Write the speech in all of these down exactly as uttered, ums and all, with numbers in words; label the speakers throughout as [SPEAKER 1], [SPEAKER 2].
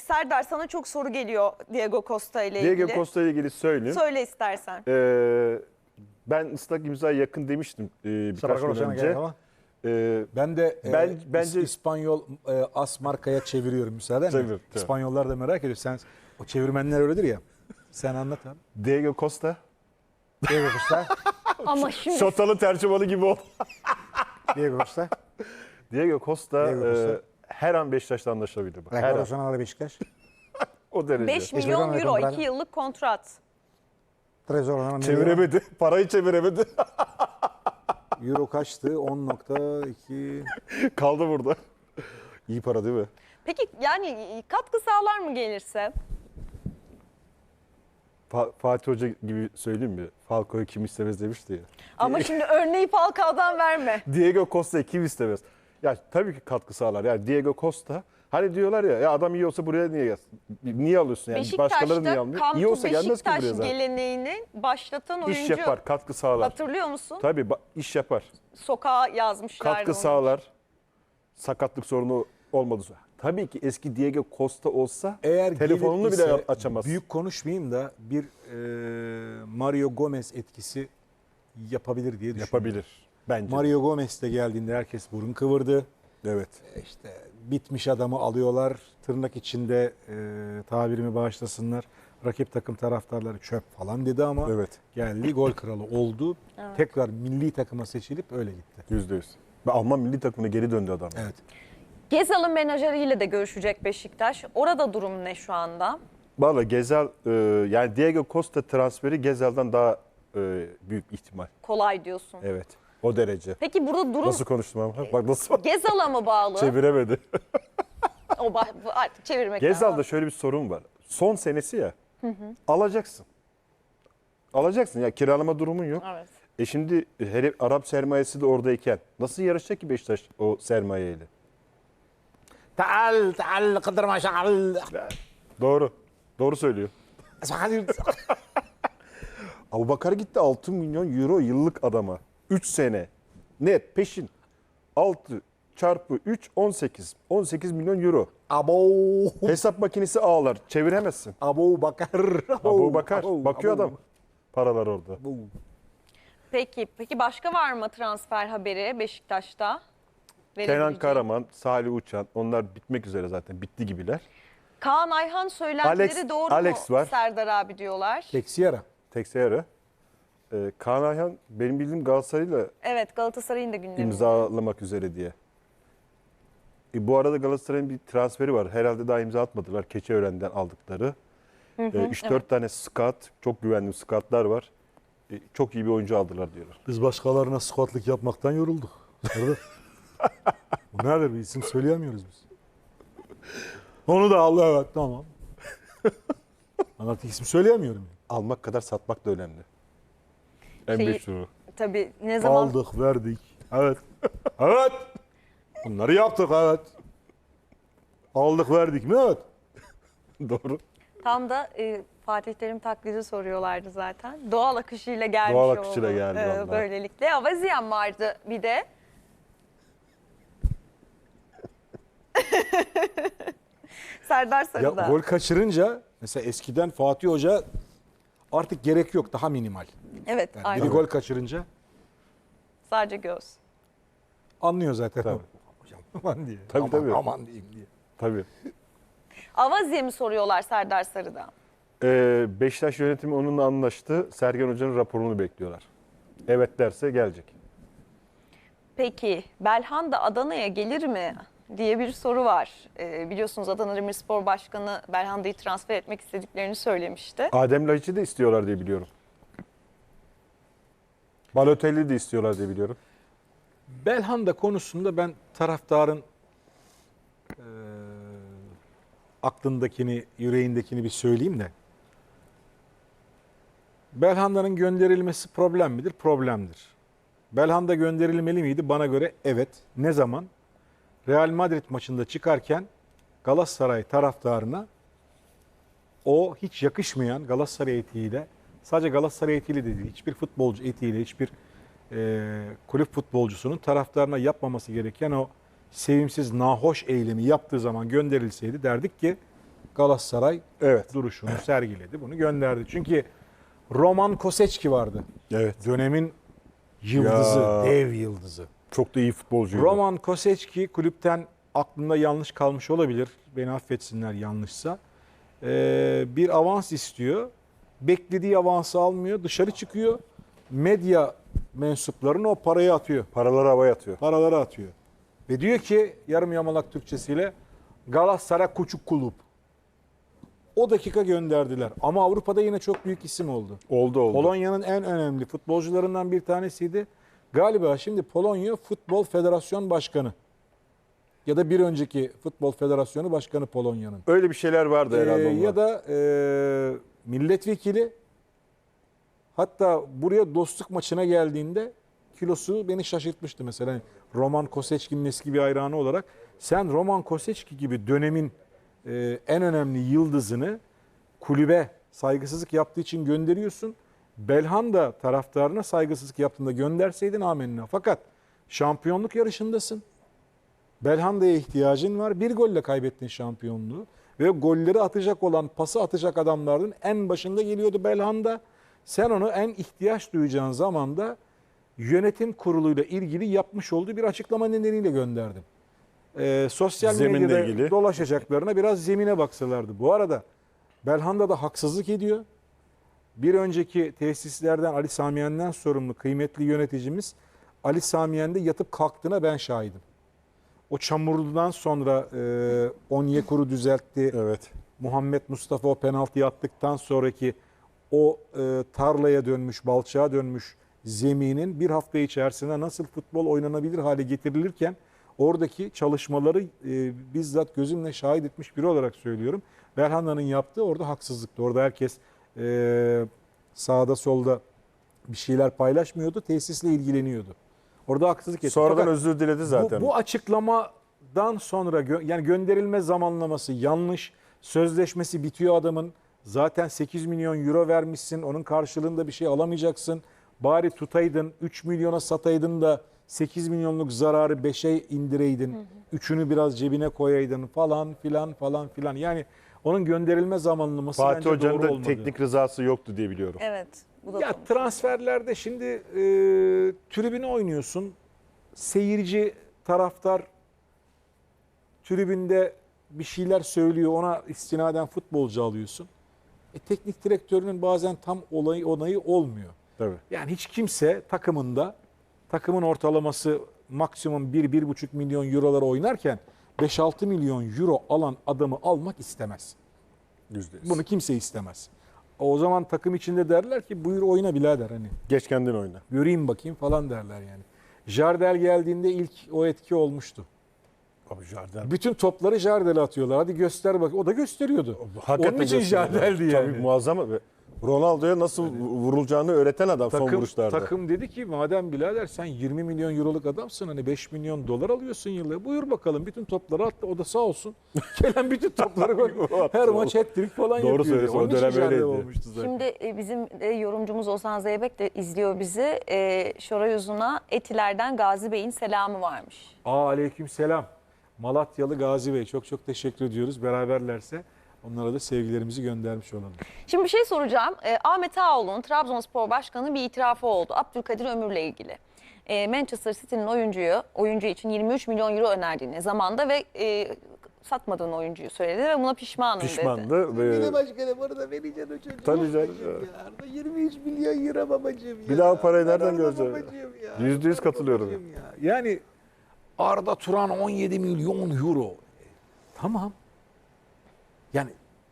[SPEAKER 1] Serdar sana çok soru geliyor Diego Costa ile ilgili.
[SPEAKER 2] Diego Costa ile ilgili söyleyeyim.
[SPEAKER 1] Söyle istersen.
[SPEAKER 2] Ee, ben ıslak imzaya yakın demiştim e, birkaç gün önce. Ee,
[SPEAKER 3] Ben de
[SPEAKER 2] ben,
[SPEAKER 3] e,
[SPEAKER 2] bence
[SPEAKER 3] İspanyol e, as markaya çeviriyorum müsaaden mi?
[SPEAKER 2] Çevir, çevir.
[SPEAKER 3] İspanyollar da merak ediyor. Sen o çevirmenler öyledir ya. Sen anlat abi.
[SPEAKER 2] Diego Costa.
[SPEAKER 3] Diego Costa.
[SPEAKER 1] Ama şimdi
[SPEAKER 2] Şotalı tercümanı gibi oldu.
[SPEAKER 3] Diego Costa.
[SPEAKER 2] Diego Costa,
[SPEAKER 3] Diego Costa.
[SPEAKER 2] E, her an Beşiktaş'la anlaşabilir. Bak, her
[SPEAKER 3] Rekor
[SPEAKER 2] an.
[SPEAKER 3] Nacional Beşiktaş.
[SPEAKER 2] O derece.
[SPEAKER 1] beş milyon euro iki yıllık kontrat.
[SPEAKER 3] Trezor
[SPEAKER 2] Çeviremedi. Parayı çeviremedi.
[SPEAKER 3] Euro kaçtı? on nokta iki.
[SPEAKER 2] Kaldı burada. İyi para değil mi?
[SPEAKER 1] Peki yani katkı sağlar mı gelirse?
[SPEAKER 2] Fa- Fatih Hoca gibi söyleyeyim mi? Falcao'yu kim istemez demişti ya.
[SPEAKER 1] Ama şimdi örneği Falcao'dan verme.
[SPEAKER 2] Diego Costa'yı kim istemez? Ya tabii ki katkı sağlar. Yani Diego Costa, hani diyorlar ya, ya adam iyi olsa buraya niye gelsin? Niye alıyorsun yani? Başkaları niye almıyor?
[SPEAKER 1] Come
[SPEAKER 2] İyi
[SPEAKER 1] to
[SPEAKER 2] olsa gelmez ki
[SPEAKER 1] Beşiktaş
[SPEAKER 2] buraya zaten.
[SPEAKER 1] geleneğini başlatan oyuncu.
[SPEAKER 2] İş yapar, katkı sağlar.
[SPEAKER 1] Hatırlıyor musun?
[SPEAKER 2] Tabii ba- iş yapar.
[SPEAKER 1] Sokağa yazmışlardı
[SPEAKER 2] Katkı
[SPEAKER 1] onu.
[SPEAKER 2] sağlar. Sakatlık sorunu olmadı. Tabii ki eski Diego Costa olsa
[SPEAKER 3] Eğer
[SPEAKER 2] telefonunu
[SPEAKER 3] gelir
[SPEAKER 2] bile
[SPEAKER 3] ise,
[SPEAKER 2] açamaz.
[SPEAKER 3] Büyük konuşmayayım da bir e, Mario Gomez etkisi yapabilir diye düşünüyorum.
[SPEAKER 2] Yapabilir bence.
[SPEAKER 3] Mario Gomez de geldiğinde herkes burun kıvırdı.
[SPEAKER 2] Evet.
[SPEAKER 3] İşte bitmiş adamı alıyorlar. Tırnak içinde e, tabirimi bağışlasınlar. Rakip takım taraftarları çöp falan dedi ama
[SPEAKER 2] Evet.
[SPEAKER 3] geldi gol kralı oldu.
[SPEAKER 1] Evet.
[SPEAKER 3] Tekrar milli takıma seçilip öyle gitti.
[SPEAKER 2] Yüzde yüz. Ve Alman milli takımına geri döndü adam.
[SPEAKER 3] Evet.
[SPEAKER 1] Gezal'ın menajeriyle de görüşecek Beşiktaş. Orada durum ne şu anda?
[SPEAKER 2] Valla Gezal, e, yani Diego Costa transferi Gezal'dan daha e, büyük ihtimal.
[SPEAKER 1] Kolay diyorsun.
[SPEAKER 2] Evet. O derece.
[SPEAKER 1] Peki burada durum
[SPEAKER 2] Nasıl konuştum ama? Bak nasıl
[SPEAKER 1] Gezal'a mı bağlı?
[SPEAKER 2] çeviremedi.
[SPEAKER 1] O ba- artık çevirmek
[SPEAKER 2] Gezal'da
[SPEAKER 1] lazım.
[SPEAKER 2] şöyle bir sorun var. Son senesi ya. Alacaksın. Alacaksın ya, kiralama durumun yok.
[SPEAKER 1] Evet.
[SPEAKER 2] E şimdi hele Arap sermayesi de oradayken nasıl yarışacak ki Beşiktaş o sermayeyle?
[SPEAKER 3] Taal taal kadir maşal.
[SPEAKER 2] Doğru. Doğru söylüyor. Abubakar gitti altı milyon euro yıllık adama. üç sene. Net peşin. altı çarpı üç on sekiz. on sekiz milyon euro.
[SPEAKER 3] Abo.
[SPEAKER 2] Hesap makinesi ağlar. Çeviremezsin.
[SPEAKER 3] Abu Bakar.
[SPEAKER 2] Abubakar.
[SPEAKER 3] Abo,
[SPEAKER 2] Bakıyor
[SPEAKER 3] abo.
[SPEAKER 2] adam. Paralar orada.
[SPEAKER 3] Abo.
[SPEAKER 1] Peki, peki başka var mı transfer haberi Beşiktaş'ta?
[SPEAKER 2] Kenan
[SPEAKER 1] Verebileceğin?
[SPEAKER 2] Karaman, Salih Uçan, onlar bitmek üzere zaten. Bitti gibiler.
[SPEAKER 1] Kaan Ayhan söylentileri
[SPEAKER 2] Alex-
[SPEAKER 1] doğru
[SPEAKER 2] Alex
[SPEAKER 1] mu
[SPEAKER 2] var.
[SPEAKER 1] Serdar abi diyorlar?
[SPEAKER 3] Teksiyara.
[SPEAKER 2] Texeira. Ee, Kaan Ayhan benim bildiğim Galatasaray'la
[SPEAKER 1] Evet, Galatasaray'ın da gündeminde.
[SPEAKER 2] imzalamak üzere diye. E, bu arada Galatasaray'ın bir transferi var. Herhalde daha imza atmadılar. Keçiören'den aldıkları. üç dört
[SPEAKER 1] evet.
[SPEAKER 2] tane scout, çok güvenli scoutlar var. E, çok iyi bir oyuncu aldılar diyorlar.
[SPEAKER 3] Biz başkalarına squatlık yapmaktan yorulduk. Bu nedir? Bir isim söyleyemiyoruz biz. Onu da al, evet, tamam. Ben artık isim söyleyemiyorum.
[SPEAKER 2] Almak kadar satmak da önemli. En
[SPEAKER 1] Şeyi-
[SPEAKER 2] meşhuru.
[SPEAKER 1] Tabii ne zaman
[SPEAKER 3] Aldık, verdik. Evet. Evet. Bunları yaptık, evet. Aldık, verdik mi? Evet.
[SPEAKER 2] Doğru.
[SPEAKER 1] tam da e, Fatih Terim taklidi soruyorlardı zaten. Doğal akışıyla gelmiş
[SPEAKER 2] Doğal akışıyla
[SPEAKER 1] oldu,
[SPEAKER 2] geldi
[SPEAKER 1] e,
[SPEAKER 2] vallahi.
[SPEAKER 1] böylelikle. Avaziyan vardı bir de. Serdar Sarı'da.
[SPEAKER 3] Ya gol kaçırınca mesela eskiden Fatih Hoca artık gerek yok, daha minimal.
[SPEAKER 1] Evet,
[SPEAKER 3] Yani
[SPEAKER 1] aynen.
[SPEAKER 3] biri gol kaçırınca
[SPEAKER 1] Sadece göz.
[SPEAKER 3] anlıyor zaten.
[SPEAKER 2] Tabii.
[SPEAKER 3] Hocam aman diye.
[SPEAKER 2] Tabii,
[SPEAKER 3] aman,
[SPEAKER 2] tabii.
[SPEAKER 3] aman diyeyim diye.
[SPEAKER 2] Tabii.
[SPEAKER 1] Avaziye mi soruyorlar Serdar Sarı'da?
[SPEAKER 2] Ee, Beşiktaş yönetimi onunla anlaştı. Sergen Hoca'nın raporunu bekliyorlar. Evet derse gelecek.
[SPEAKER 1] Peki Belhanda Adana'ya gelir mi diye bir soru var. Ee, biliyorsunuz Adana Demirspor Başkanı Belhanda'yı transfer etmek istediklerini söylemişti.
[SPEAKER 2] Adem Laiç'i de istiyorlar diye biliyorum. Balotelli de istiyorlar diye biliyorum.
[SPEAKER 3] Belhanda konusunda ben taraftarın e, aklındakini, yüreğindekini bir söyleyeyim de. Belhanda'nın gönderilmesi problem midir? Problemdir. Belhanda gönderilmeli miydi? Bana göre evet. Ne zaman? Real Madrid maçında çıkarken Galatasaray taraftarına o hiç yakışmayan Galatasaray etiğiyle, sadece Galatasaray etiğiyle de değil, hiçbir futbolcu etiğiyle, hiçbir e, kulüp futbolcusunun taraftarına yapmaması gereken o sevimsiz, nahoş eylemi yaptığı zaman gönderilseydi derdik ki Galatasaray
[SPEAKER 2] Evet.
[SPEAKER 3] duruşunu sergiledi. Bunu gönderdi. Çünkü Roman Koseçki vardı.
[SPEAKER 2] Evet.
[SPEAKER 3] Dönemin yıldızı,
[SPEAKER 2] Ya.
[SPEAKER 3] dev yıldızı.
[SPEAKER 2] Çok da iyi futbolcuydu.
[SPEAKER 3] Roman Koseçki kulüpten aklımda yanlış kalmış olabilir. Beni affetsinler yanlışsa. Ee, bir avans istiyor. Beklediği avansı almıyor. Dışarı çıkıyor. Medya mensuplarına o parayı atıyor.
[SPEAKER 2] Paraları havaya atıyor.
[SPEAKER 3] Paraları atıyor. Ve diyor ki yarım yamalak Türkçesiyle Galatasaray Küçük Kulüp. O dakika gönderdiler. Ama Avrupa'da yine çok büyük isim oldu.
[SPEAKER 2] Oldu oldu.
[SPEAKER 3] Polonya'nın en önemli futbolcularından bir tanesiydi. Galiba şimdi Polonya Futbol Federasyon Başkanı. Ya da bir önceki Futbol Federasyonu Başkanı Polonya'nın.
[SPEAKER 2] Öyle bir şeyler vardı
[SPEAKER 3] Ee,
[SPEAKER 2] herhalde.
[SPEAKER 3] ya da e, milletvekili. Hatta buraya dostluk maçına geldiğinde kilosu beni şaşırtmıştı mesela. Hani Roman Koseçki'nin eski bir hayranı olarak. Sen Roman Koseçki gibi dönemin e, en önemli yıldızını kulübe saygısızlık yaptığı için gönderiyorsun. Belhanda taraftarına saygısızlık yaptığında gönderseydin amenna. Fakat şampiyonluk yarışındasın. Belhanda'ya ihtiyacın var. Bir golle kaybettin şampiyonluğu. Ve golleri atacak olan, pası atacak adamların en başında geliyordu Belhanda. Sen onu en ihtiyaç duyacağın zaman da yönetim kuruluyla ilgili yapmış olduğu bir açıklama nedeniyle gönderdim. Ee, sosyal
[SPEAKER 2] Zeminle
[SPEAKER 3] medyada
[SPEAKER 2] ilgili.
[SPEAKER 3] dolaşacaklarına biraz zemine baksalardı. Bu arada Belhanda da haksızlık ediyor. Bir önceki tesislerden Ali Samiyen'den sorumlu kıymetli yöneticimiz Ali Samiyen'de yatıp kalktığına ben şahidim. O çamurludan sonra e, Onyekuru düzeltti.
[SPEAKER 2] Evet.
[SPEAKER 3] Muhammed Mustafa o penaltıyı attıktan sonraki o e, tarlaya dönmüş, balçağa dönmüş zeminin bir hafta içerisinde nasıl futbol oynanabilir hale getirilirken oradaki çalışmaları e, bizzat gözümle şahit etmiş biri olarak söylüyorum. Belhanda'nın yaptığı orada haksızlıktı. Orada herkes e, sağda solda bir şeyler paylaşmıyordu, tesisle ilgileniyordu. Orada haksızlık etti.
[SPEAKER 2] Sonradan
[SPEAKER 3] Fakat
[SPEAKER 2] özür diledi zaten.
[SPEAKER 3] Bu, bu açıklamadan sonra gö- yani gönderilme zamanlaması yanlış. Sözleşmesi bitiyor adamın. Zaten sekiz milyon euro vermişsin. Onun karşılığında bir şey alamayacaksın. Bari tutaydın, üç milyona sataydın da sekiz milyonluk zararı beşe indireydin. Hı hı. Üçünü biraz cebine koyaydın falan filan falan filan. Yani onun gönderilme zamanlaması
[SPEAKER 2] Fatih
[SPEAKER 3] bence
[SPEAKER 2] Hoca'nın
[SPEAKER 3] doğru
[SPEAKER 2] da
[SPEAKER 3] olmadı.
[SPEAKER 2] teknik rızası yoktu diye biliyorum.
[SPEAKER 1] Evet. Bu da
[SPEAKER 3] Ya
[SPEAKER 1] konuşuldu.
[SPEAKER 3] transferlerde şimdi e, tribüne oynuyorsun. Seyirci, taraftar tribünde bir şeyler söylüyor. Ona istinaden futbolcu alıyorsun. E, teknik direktörünün bazen tam olayı onayı olmuyor.
[SPEAKER 2] Tabii.
[SPEAKER 3] Yani hiç kimse takımında takımın ortalaması maksimum bir bir buçuk milyon eurolara oynarken beş altı milyon euro alan adamı almak istemez.
[SPEAKER 2] Yüzde yüz.
[SPEAKER 3] Bunu kimse istemez. O zaman takım içinde derler ki buyur oyna birader hani.
[SPEAKER 2] Geç kendin oyna.
[SPEAKER 3] Göreyim bakayım falan derler yani. Jardel geldiğinde ilk o etki olmuştu.
[SPEAKER 2] Abi Jardel.
[SPEAKER 3] Bütün topları Jardel'e atıyorlar. Hadi göster bak. O da gösteriyordu.
[SPEAKER 2] Hakikaten
[SPEAKER 3] Onun için
[SPEAKER 2] gösteriyor.
[SPEAKER 3] Jardel'di yani.
[SPEAKER 2] Tabii muazzam. Ve Ronaldo'ya nasıl vurulacağını öğreten adam son
[SPEAKER 3] Takım,
[SPEAKER 2] vuruşlarda.
[SPEAKER 3] takım dedi ki madem birader sen yirmi milyon euroluk adamsın hani beş milyon dolar alıyorsun yılda. Buyur bakalım bütün topları attı. O da sağ olsun. Gelen bütün topları gol. Her maç hat-trick falan
[SPEAKER 2] Doğru
[SPEAKER 3] yapıyor.
[SPEAKER 2] söylüyorsun, o
[SPEAKER 3] Onun için
[SPEAKER 2] dönem
[SPEAKER 3] Jardel
[SPEAKER 2] öyleydi.
[SPEAKER 3] olmuştu zaten.
[SPEAKER 1] Şimdi e, bizim e, yorumcumuz Ozan Zeybek de izliyor bizi. E, Şoray Uzun'a Etiler'den Gazi Bey'in selamı varmış.
[SPEAKER 3] Aa, aleyküm selam. Malatyalı Gazi Bey çok çok teşekkür ediyoruz. Beraberlerse onlara da sevgilerimizi göndermiş olalım.
[SPEAKER 1] Şimdi bir şey soracağım. E, Ahmet Ağaoğlu'nun Trabzonspor Başkanı bir itirafı oldu. Abdülkadir Ömür'le ilgili. E, Manchester City'nin oyuncuyu, oyuncu için yirmi üç milyon euro önerdiğini zamanda ve e, satmadığını oyuncuyu söyledi ve buna pişmanım dedi.
[SPEAKER 2] Pişmandı. Ve
[SPEAKER 4] Yine başkanım onu da vereceksin o çocuğa.
[SPEAKER 2] Tabii canım.
[SPEAKER 4] Babacığım ya. Arada yirmi üç milyon euro babacığım ya.
[SPEAKER 2] Bir daha parayı
[SPEAKER 4] Ben
[SPEAKER 2] nereden
[SPEAKER 4] orada
[SPEAKER 2] göreceğim?
[SPEAKER 4] babacığım ya.
[SPEAKER 2] Yüzde yüz
[SPEAKER 4] Orada
[SPEAKER 2] katılıyorum.
[SPEAKER 4] babacığım ya.
[SPEAKER 3] Yani Arda Turan on yedi milyon euro. E, Tamam. Yani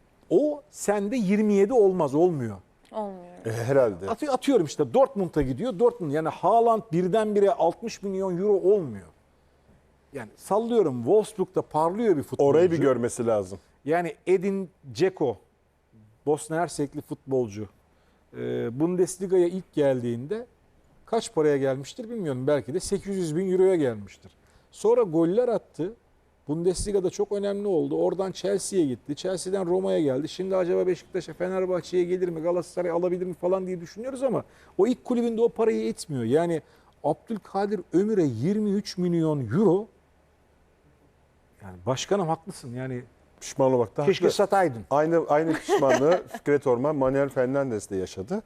[SPEAKER 3] o sende yirmi yedi olmaz, olmuyor.
[SPEAKER 1] Olmuyor.
[SPEAKER 2] e, herhalde.
[SPEAKER 3] Atı- Atıyorum işte Dortmund'a gidiyor. Dortmund yani Haaland birdenbire altmış milyon euro olmuyor. Yani sallıyorum Wolfsburg'da parlıyor bir futbolcu.
[SPEAKER 2] Orayı bir görmesi lazım.
[SPEAKER 3] Yani Edin Dzeko, Bosna Hersekli futbolcu. Ee, Bundesliga'ya ilk geldiğinde kaç paraya gelmiştir bilmiyorum. Belki de sekiz yüz bin euroya gelmiştir. Sonra goller attı. Bundesliga'da çok önemli oldu. Oradan Chelsea'ye gitti. Chelsea'den Roma'ya geldi. Şimdi acaba Beşiktaş'a, Fenerbahçe'ye gelir mi, Galatasaray alabilir mi falan diye düşünüyoruz ama o ilk kulübünde o parayı etmiyor. Yani Abdülkadir Ömür'e yirmi üç milyon euro, yani başkanım haklısın yani
[SPEAKER 2] Pişman olmakta
[SPEAKER 3] Keşke
[SPEAKER 2] haklı.
[SPEAKER 3] sataydın.
[SPEAKER 2] Aynı aynı pişmanlığı Fikret Orman, Manuel Fernandes de yaşadı.